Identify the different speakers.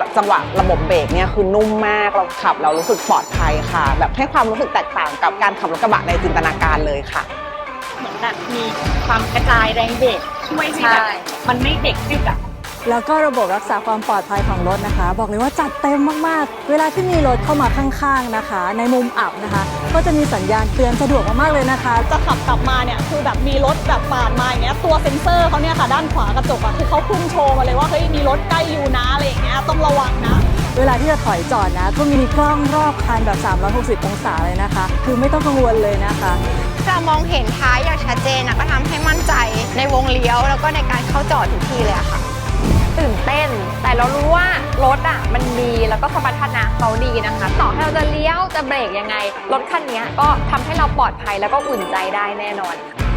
Speaker 1: จังหวะระบบเบรกเนี่ยคือนุ่มมากเราขับเรารู้สึกปลอดภัยค่ะแบบให้ความรู้สึกแตกต่างกับการขับรถกระบะในจินตนาการเลยค่ะ
Speaker 2: เหมือนแบบมีความกระจายแรงเบรกช่วยให้แบบมันไม่เด็กดึกอะ
Speaker 3: แล้วก็ระบบรักษาความปลอดภัยของรถนะคะบอกเลยว่าจัดเต็มมากๆเวลาที่มีรถเข้ามาข้างๆนะคะในมุมอับนะคะก็จะมีสัญญาณเตือนสะดวกมากๆเลยนะคะ
Speaker 2: จะขับกลับมาเนี่ยคือแบบมีรถแบบปาดมาอย่างเงี้ยตัวเซ็นเซอร์เขาเนี่ยค่ะด้านขวากระจกอะคือเขาขึ้นโชว์มาเลยว่าเฮ้ยมีรถใกล้อยู่นะอะไรอย่างเงี้ยต้องระวังนะ
Speaker 3: เวลาที่จะถอยจอดนะก็มีกล้องรอบคันแบบ360องศาเลยนะคะคือไม่ต้องกังวลเลยนะคะ
Speaker 4: จะมองเห็นท้ายอย่างชัดเจนนะก็ทำให้มั่นใจในวงเลี้ยวแล้วก็ในการเข้าจอดทุกทีเลยอะค่ะ
Speaker 5: ตื่นเต้นแต่เรารู้ว่ารถอ่ะมันดีแล้วก็สมรรถนะเขาดีนะคะต่อให้เราจะเลี้ยวจะเบรกยังไงรถคันนี้ก็ทำให้เราปลอดภัยแล้วก็อุ่นใจได้แน่นอน